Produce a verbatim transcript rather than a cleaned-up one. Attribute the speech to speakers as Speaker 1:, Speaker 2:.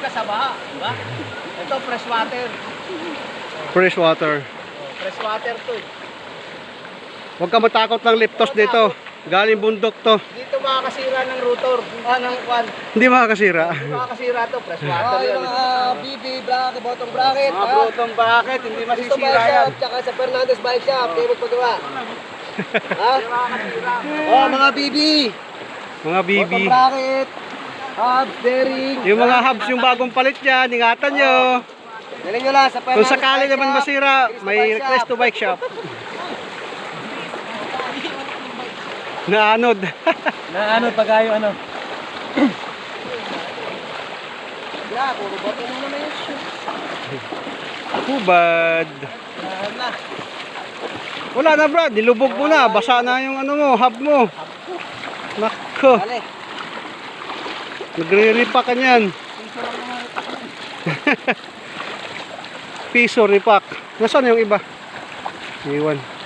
Speaker 1: sa baha, di ba? Ito, fresh water.
Speaker 2: Fresh water.
Speaker 1: Oh, fresh water to eh.
Speaker 2: Huwag ka matakot ng liptos dito. Galing bundok to.
Speaker 1: Dito makakasira ng rotor. Ah, ng kwan.
Speaker 2: Hindi makakasira.
Speaker 1: Hindi makakasira to, fresh water
Speaker 3: Oh,
Speaker 1: yan.
Speaker 3: yung mga B B bracket, bottom bracket.
Speaker 1: Mga
Speaker 3: ha?
Speaker 1: brotong bakit, hindi
Speaker 3: Gusto
Speaker 1: masisira
Speaker 3: bike
Speaker 1: yan.
Speaker 3: shop, tsaka sa Fernandez bike shop, kayo magpagawa. Ha?
Speaker 1: Hindi makakasira.
Speaker 3: Oh, mga B B.
Speaker 2: Mga B B.
Speaker 3: Bottom bracket. Hubs, bearing.
Speaker 2: Yung mga hubs yung bagong palit dyan, ingatan nyo.
Speaker 3: Galing nyo lang sa Fernandez
Speaker 2: Kung sakali
Speaker 3: bike
Speaker 2: naman
Speaker 3: shop,
Speaker 2: masira,
Speaker 3: Cristo
Speaker 2: may
Speaker 3: Bike
Speaker 2: request
Speaker 3: Shop.
Speaker 2: to bike shop. Naanod.
Speaker 3: Na ano, pagayo ano. Wala, puro bote mo naman yung shoe.
Speaker 2: Hubad.
Speaker 3: Lahat na.
Speaker 2: Wala na Brad, nilubog mo na. Basa na yung ano mo, hub mo. Nako.
Speaker 3: Dali.
Speaker 2: Nagre-repack ka niyan. Piso repack. Nasaan yung iba? Iwan.